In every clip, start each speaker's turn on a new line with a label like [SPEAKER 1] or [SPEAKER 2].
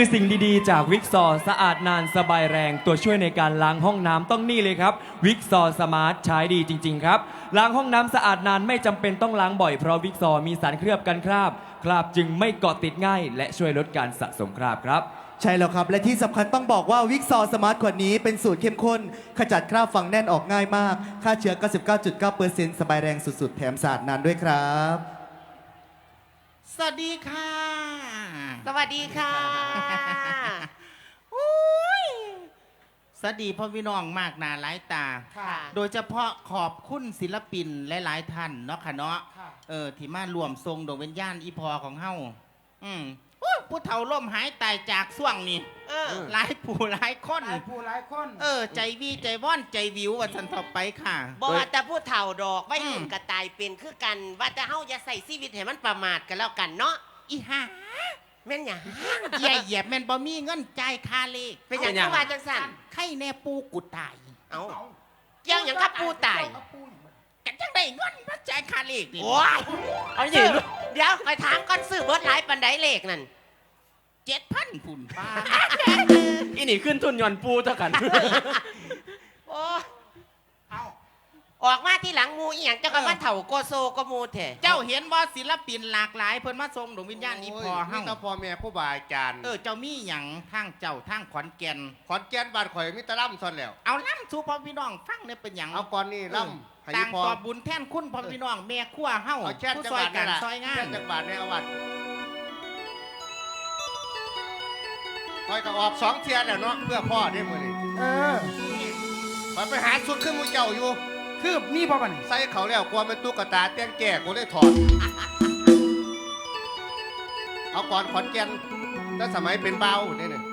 [SPEAKER 1] สิ่งดีๆจากวิกซอสะอาดนานสบายแรงตัวช่วยในการล้างห้องน้ำต้องนี่เลยครับวิกซอสมาร์ทใช้ดีจริงๆครับล้างห้องน้ำสะอาดนานไม่จำเป็นต้องล้างบ่อยเพราะวิกซอมีสารเคลือบกันคราบจึงไม่เกาะติดง่ายและช่วยลดการสะสมคราบครับ
[SPEAKER 2] ใช่แล้วครับและที่สำคัญต้องบอกว่าวิกซอสมาร์ทขวดนี้เป็นสูตรเข้มข้นขจัดคราบฝังแน่นออกง่ายมากฆ่าเชื้อ 99.9% สบายแรงสุดๆแถมสะอาดนานด้วยครับ
[SPEAKER 3] สวัสดีค่ะ
[SPEAKER 4] สวัสดีค่ะ
[SPEAKER 3] อุ้ยสวัสดีพ่อพี่น้องมากหนาหลายตา
[SPEAKER 4] ค่ะ
[SPEAKER 3] โดยเฉพาะขอบคุณศิลปินหลายๆท่านเนาะค่ะเนาะที่มารวมทรงดวงวิญญาณอีพอของเฮาอุ๊ยผู้เฒ่าล่มหายตายจากส่วงนี่หลายผู้หลายคน
[SPEAKER 5] หลายผู้หลายคน
[SPEAKER 3] ใจวีใจว่อนใจวิววันสันทบไปค่ะ
[SPEAKER 4] บอกว่าแต่ผู้เฒ่าดอกไม่อื่นกระตายเป็นคือกัน ว่าแต่เฮาจะใส่ชีวิตให้มันประมาทกันแล้วกันเนาะ
[SPEAKER 3] อีห่า
[SPEAKER 4] แม่นหยัง
[SPEAKER 3] ใหญ่เหยียบแม่นบ่มีเงินจ่ายค่าเลข
[SPEAKER 4] เป็นหยังคือว่าจังสั่น
[SPEAKER 3] ไข่แน่ปูกูตาย
[SPEAKER 4] เอ้าเกี่ยวหยังกับปูตาย
[SPEAKER 3] กันจังได้เงินมาจ่ายค่าเลขนี่
[SPEAKER 4] โอ้ยเอาสิเดี๋ยวคอยถามก่อนซื้อเบิดหลายปันไดเลขนั่น
[SPEAKER 3] 7,000พุ่นป้า
[SPEAKER 1] อีนี่ขึ้นทุนย่อนปูเท่ากัน
[SPEAKER 4] โอ้ยออกมาที่หลังหมูอีหยังเจ้าก็ว่าเฒ่าโกโซก็มูแท้
[SPEAKER 3] เจ้าเห็นว่าศิลปินหลากหลายเพิ่นมาทรงดวงวิญญาณอีพอ
[SPEAKER 6] มี
[SPEAKER 3] เฮา
[SPEAKER 6] แต่พ่อแม่ผู้บาอาจารย์
[SPEAKER 3] เจ้ามีหยังทางเจ้าทางขอนแก่น
[SPEAKER 6] ขอนแก่นบ้านข่อยมีแตะล่ำซอนแล้ว
[SPEAKER 3] เอาล่ำสู่พ่อพี่น้องฟังเนี่ยเป็นหยัง
[SPEAKER 6] เอาก่อนนี่ล่ำให้
[SPEAKER 3] ต่าง
[SPEAKER 6] พ่อ
[SPEAKER 3] ตอบบุญแทนคุณพ่อพี่น้องแม่ครัวเฮา
[SPEAKER 6] เอาแช่
[SPEAKER 3] ผู้
[SPEAKER 6] จัง
[SPEAKER 3] ซ
[SPEAKER 6] ห
[SPEAKER 3] อย
[SPEAKER 6] วัด
[SPEAKER 3] กั
[SPEAKER 6] นี่
[SPEAKER 3] น
[SPEAKER 6] แหละ
[SPEAKER 3] ซอยงา
[SPEAKER 6] แช่
[SPEAKER 3] น
[SPEAKER 6] จังหวัดในอาวัดข่อยก็ออก2 เที่ยแล้วเนาะเพื่อพ่อได้มื้อนี้ ข่อยไปหาสุดขึ้นมูเจ้าอยู่
[SPEAKER 5] คือมีพ่อบัน
[SPEAKER 6] ใส่เขาแล้วกลัวมันตุ๊กตาแต่งแก่กูเลยถอด เอาก่อนขอนแก่นตั้งสมัยเป็นเบาเนี่ยนี่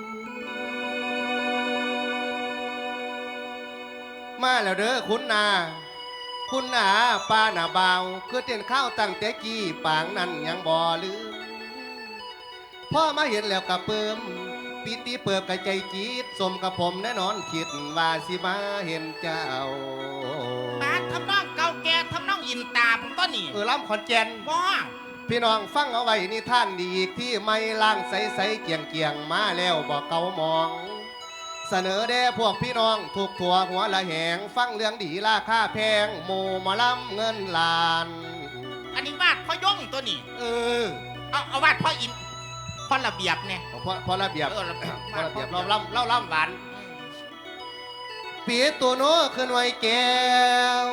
[SPEAKER 6] มาแล้วเด้อคุณนาคุณนาป้าหน้าเบาคือเต้นข้าวตั้งแต่กี้ปางนั้นยังบ่ลืมพ่อมาเห็นแล้วกะเปิมปีติเปิบกะใจจีดสมกับผมแน่นอนคิดว่าสิมาเห็นเจ้า
[SPEAKER 3] บาดทำน้องเก่าแก่ทำน้องอินตาผมต้นนี่
[SPEAKER 6] ล่ำขอนแก่น
[SPEAKER 3] บ่
[SPEAKER 6] พี่น้องฟังเอาไว้นี่ท่านดีอีกที่ไม่ล่างใสๆเกียงเกียงมาแล้วบอกเก่ามอง เสนอแด่พวกพี่น้องถูกถั่วหัวละแหง ฟังเรื่องดีราคาแพงหมู่หมาล้ำเงินล้าน
[SPEAKER 3] อันนี้วาดพ่อย่งตัวนี่
[SPEAKER 6] เออ
[SPEAKER 3] เอาวาดพ่ออินพ่อระเบียบเนี่ย
[SPEAKER 6] พอระเบียบ
[SPEAKER 3] ระเบียบ
[SPEAKER 6] พอระเบียบเราล่ำหวานปีตัวโน้ขึ้นไว้แก้ว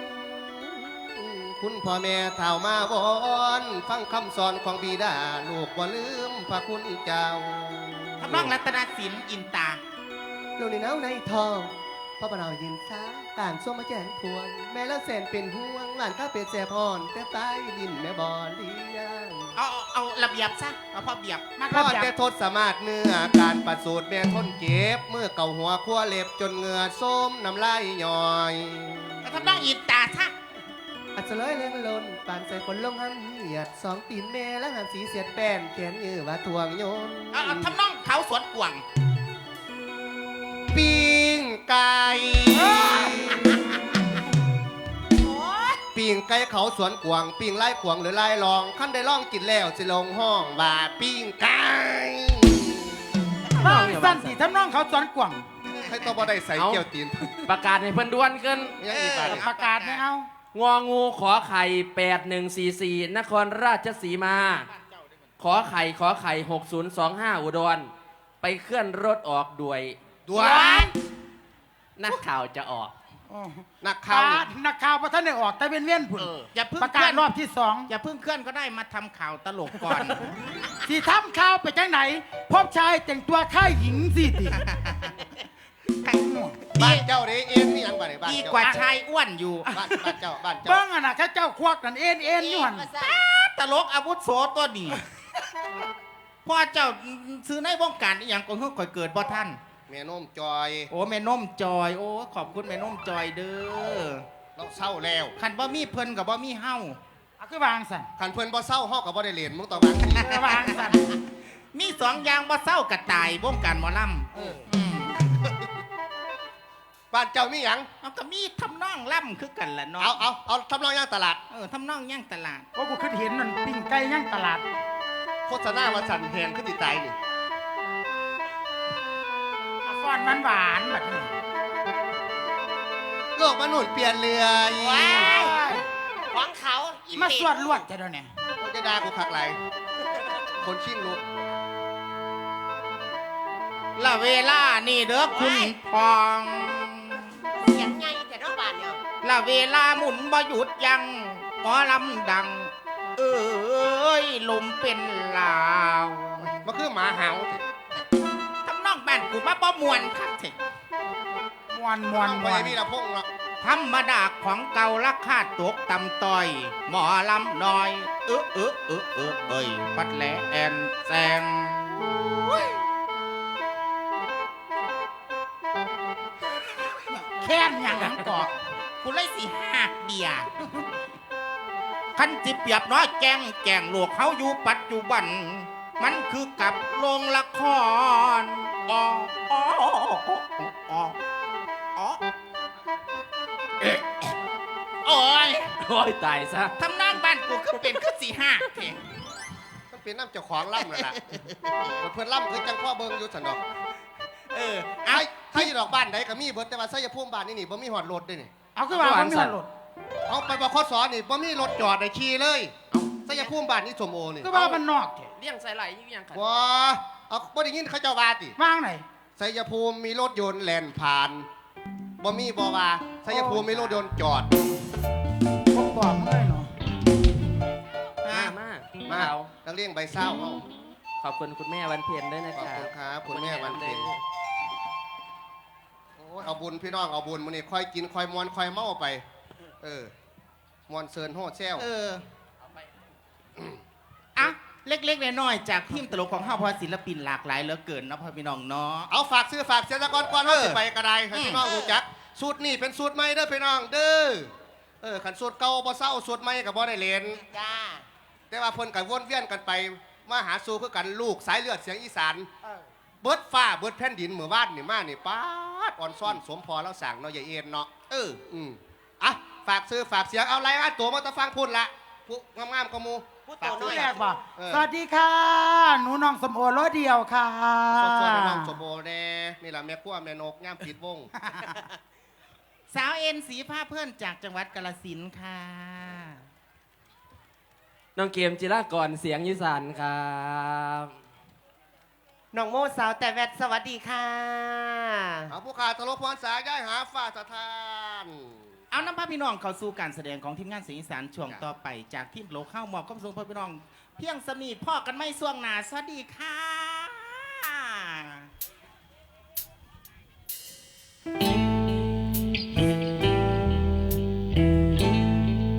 [SPEAKER 6] คุณพ่อแม่เท่ามาวอนฟังคำสอนของบิดาลูกบ่ลืมพระคุณเจ้า
[SPEAKER 3] ทำน้องรัตนศิลป์อินตา
[SPEAKER 6] ลูกในเนาในทองพ่อปนาวยืนซ้าต่างส้มมาแจนพวง แม่ละแสนเป็นห่วงหลานข้าเป็ดแสบพรแต่ใต้ดินแม่บ่อเลี้ยง
[SPEAKER 3] เอาระเบียบซะเอาพ่อเบียบมา
[SPEAKER 6] พ่อแต่ทศสามารถเนื้อการประสูติแม่ทนเจ็บเมื่อเก่าหัวขั้วเล็บจนเหงื่อส้มน้ำลายย่อย
[SPEAKER 3] ทำน้องอินตาซะ
[SPEAKER 6] อัศเลยเล่นลนปานใส่ฝนลงหันเหียดสองตีนแม่และหันสีเสียดแป้นแขนยือว่าทวงโยน
[SPEAKER 3] เอาทำน้องเขาสวนกวาง
[SPEAKER 6] ปิ้งไก่
[SPEAKER 4] โอ้ย
[SPEAKER 6] ปิ้งไก่เขาสวนกวางปิ้งไล่ขวางหรือไล่ลองขั้นได้ล่องกินแล้วสิลงห้องว่าปิ้งไก่
[SPEAKER 5] บ้างสั้นสิทำน้องเขาสวนกว่าง
[SPEAKER 6] ให้ตัวบ่ได้ใส่เกี่ยวตีน
[SPEAKER 1] ประกาศให้เพิ่นด่วนขึ้น
[SPEAKER 6] ยังอีกบาท
[SPEAKER 5] ประกาศไม่เอา
[SPEAKER 1] งองูขอไข่ 8144 นครราชสีมา ขอไข่ 6025 อุดร ไปเคลื่อนรถออกด้วย
[SPEAKER 6] ด่วน
[SPEAKER 1] นักข่าวจะออก
[SPEAKER 6] นักข่าว
[SPEAKER 5] นักข่าวพระท่านได้ออกแต่เป็นเวียนผุน
[SPEAKER 3] อย่าเพิ่ง
[SPEAKER 5] ประ
[SPEAKER 3] เค
[SPEAKER 5] กา
[SPEAKER 3] ลื่
[SPEAKER 5] ศ
[SPEAKER 3] อน
[SPEAKER 5] รอบที่สอง
[SPEAKER 3] อย่าเพิ่งเคลื่อนก็ได้มาทำข่าวตลกก่อน
[SPEAKER 5] สีทำข่าวไปจังไหน พบชายแต่งตัวค่ายหญิงสิติ
[SPEAKER 6] บ้านเจ้าเด้เอ็นนี่ยังบ้านไหนบ้าน
[SPEAKER 3] ดี
[SPEAKER 6] เจ้าก
[SPEAKER 3] ว่าชายอ้วนอยู่
[SPEAKER 6] บ้านเจ้า
[SPEAKER 5] เบิ้งอ่ะนะข้าเจ้าควักนั่นเอ็นอยู่หัน
[SPEAKER 3] ตลกอาวุธโสตัวนี้พ่อเจ้าซื้อในวงการอหย่างก็เพิ่งค่อยเกิดบ่ท่าน
[SPEAKER 6] แม่นมจอย
[SPEAKER 3] โอ้แม่นมจอย โอ้ขอบคุณแม่นมจอยเด้อ
[SPEAKER 6] เราเศร้าแล้ว
[SPEAKER 3] ขันบ่มีเพิ่นกับบ่มีเฮา
[SPEAKER 5] อ่ะคือวางสั่น
[SPEAKER 6] ขันเพิ่นบ่เศร้าฮอกกับบ่ได้เรียนมึงต้องบังนี้
[SPEAKER 5] วางสั่น
[SPEAKER 3] มีสองอย่างบ่เศร้ากระตายวงการหมอลำม
[SPEAKER 6] บ้านเจ้ามีหยัง
[SPEAKER 3] เอาก็มีทำนองล่ำคือกันล่ะเนาะ
[SPEAKER 6] เอาทำรองย่างตลาด
[SPEAKER 3] ทำนองย่างตลาด
[SPEAKER 5] โอ้กูคิดเห็นมันปิ้งไก่ย่างตลาด
[SPEAKER 6] โฆษณาว่าสั่นแหงขึ้นติดตายนี่
[SPEAKER 3] โ
[SPEAKER 5] อนหวานๆแบบนี้
[SPEAKER 6] โลกมนุษย์เปลี่ยนเรือ
[SPEAKER 4] ว้ายของเขาอี
[SPEAKER 5] มา
[SPEAKER 4] เป็ด
[SPEAKER 5] สวดลวดจะเดี๋ยวนี้
[SPEAKER 6] เขาจะด่ากูคักไรคนชิงลูก
[SPEAKER 3] ละเวลานี่เด้อคุณพอง
[SPEAKER 4] เสียงไงแต่นอกบ้านเนี่ย
[SPEAKER 3] ละเวลาหมุนบ่หยุดยังหมอลำดัง เอ้ยลมเป็นลาว
[SPEAKER 6] มันคือหมาเห่า
[SPEAKER 3] ทำนองบ้านกูมาบ่มวนคักเถอะ
[SPEAKER 5] มวน
[SPEAKER 6] ไปมีละพงหรอก
[SPEAKER 3] ธรรมดาของเก่าราคาตกต่ำต้อย หมอลำน้อย เอ้ยปัดแหลแอนแซง
[SPEAKER 5] แค้นอย่างนั้นก่อน
[SPEAKER 3] กูเลยสิหักเบียร์คันจิเปรียบน้อยแกงโลกเขาอยู่ปัจจุบัน มันคือกับโรงละครอ๋ออ๋ออ๋ออ๋อโอ้ย
[SPEAKER 1] โอ้ยตายซะ
[SPEAKER 3] ทำนองบ้านกูคือเป็นคือสีหักเถอะ
[SPEAKER 6] มันเป็นน้ำเจ้าของล่ำนั่นแหละเพื่อนล่ำคือจังพ่อเบิงอยู่สันดอก
[SPEAKER 3] เอา
[SPEAKER 6] ถ้าอยู่ดอกบ้านไหนก็มีเบิดแต่ว่าไสยภูมิบ้านนี่บ่มีหอดรถด้วยนี่
[SPEAKER 5] เอาขึ้นมาคนมีหรถ
[SPEAKER 6] เอาไปบขสนี่บ่มีรถจอดได้ขี่เลยไสยภูมิบ้านนี่สมโอนี่
[SPEAKER 5] ก็ว่ามันนอกแท้
[SPEAKER 1] เลี้ยงใส่ไหลยิ่งยังขัน
[SPEAKER 6] ว้าเอาบ่ได้ยินเขาเจ้าว่าติ
[SPEAKER 5] ว่างไหน
[SPEAKER 6] ไสยภูมิมีรถยนต์แล่นผ่านบ่มีบ่ว่าไสยภูมิมีรถยนต์จอด
[SPEAKER 5] ผมบอกมึงเลยเนาะ
[SPEAKER 1] มาก
[SPEAKER 6] มานักเรียนใบเศร้าเอา
[SPEAKER 1] ขอบคุณคุณแม่วันเพ็ญด้วยนะ
[SPEAKER 6] ขอบ
[SPEAKER 1] ครั
[SPEAKER 6] คุ
[SPEAKER 1] บ
[SPEAKER 6] ณครับคุณแม่วันเพ็ญโอ้ยเอาบุญพี่น้องเอาบุญมื้อนี้ค่อยกินค่อยมวนค่อยเมาไป มวนเซินโฮดแซว
[SPEAKER 3] อะเล็กๆน้อยๆจากทีมตลกของเฮาเพอศิลปินหลากหลายเหลือเกินเนาะพ่อพี่น้องเนาะ
[SPEAKER 6] เอาฝากซื้อฝากเสียตะกอนก่อนว่าสิไปกระไดให้พี่น้องรู้จักสูตรนี่เป็นสูตรใหม่เด้อพี่น้องเด้อขันสูตรเก่าบ่เศร้าสูตรใหม่ก็บ่ได้เล่น
[SPEAKER 4] จ้า
[SPEAKER 6] แต่ว่าเพิ่นก็วนเวียนกันไปมาหาสู่คือกันลูกสายเลือดเสียงอีสานเบิดฟ้าเบิดแผ่นดินเมื่อวานนี่มานี่ป๊าดอ่อนซ่อนสมพอแล้วสั่งเนาะอย่าเอ็นเนาะอ่ะฝากซื้อฝากเสียงเอาไรอ่ะตัวมาตะฟังพูดละผู้งามๆก็มู
[SPEAKER 4] พูด
[SPEAKER 6] ฝาก
[SPEAKER 4] ตัวน้
[SPEAKER 6] ซื้
[SPEAKER 4] อ
[SPEAKER 6] อย
[SPEAKER 5] แรกบ่
[SPEAKER 6] เออ
[SPEAKER 5] สวัสดีค่ะ หนูน้องสมโอรถเดียวค่ะ
[SPEAKER 6] สดๆน้องสมโบแน่นี่แหละแม่ขั้วแม่นกย่ามปิดวง
[SPEAKER 3] สาวเอ็นสีผ้าเพื่อนจากจังหวัดกาฬสินธุ์ค่ะ
[SPEAKER 1] น้องเกมจิรากรเสียงยีสานครับ
[SPEAKER 4] น้องโมสาวแต่แวดสวัสดีค่ะ
[SPEAKER 6] เอาผู้ขาดตลกพรสายย้ายหาฝ่าสถาน
[SPEAKER 3] เอาน้ำพระพี่น้องเข้าสู่การแสดงของทีมงานเสียงอีสานช่วงต่อไปจากทีมโลกเข้ามอบความสุขพ่อพี่น้อง เพียงสนีพ่อกันไม่ส่วงหนาสวัสดีค่ะ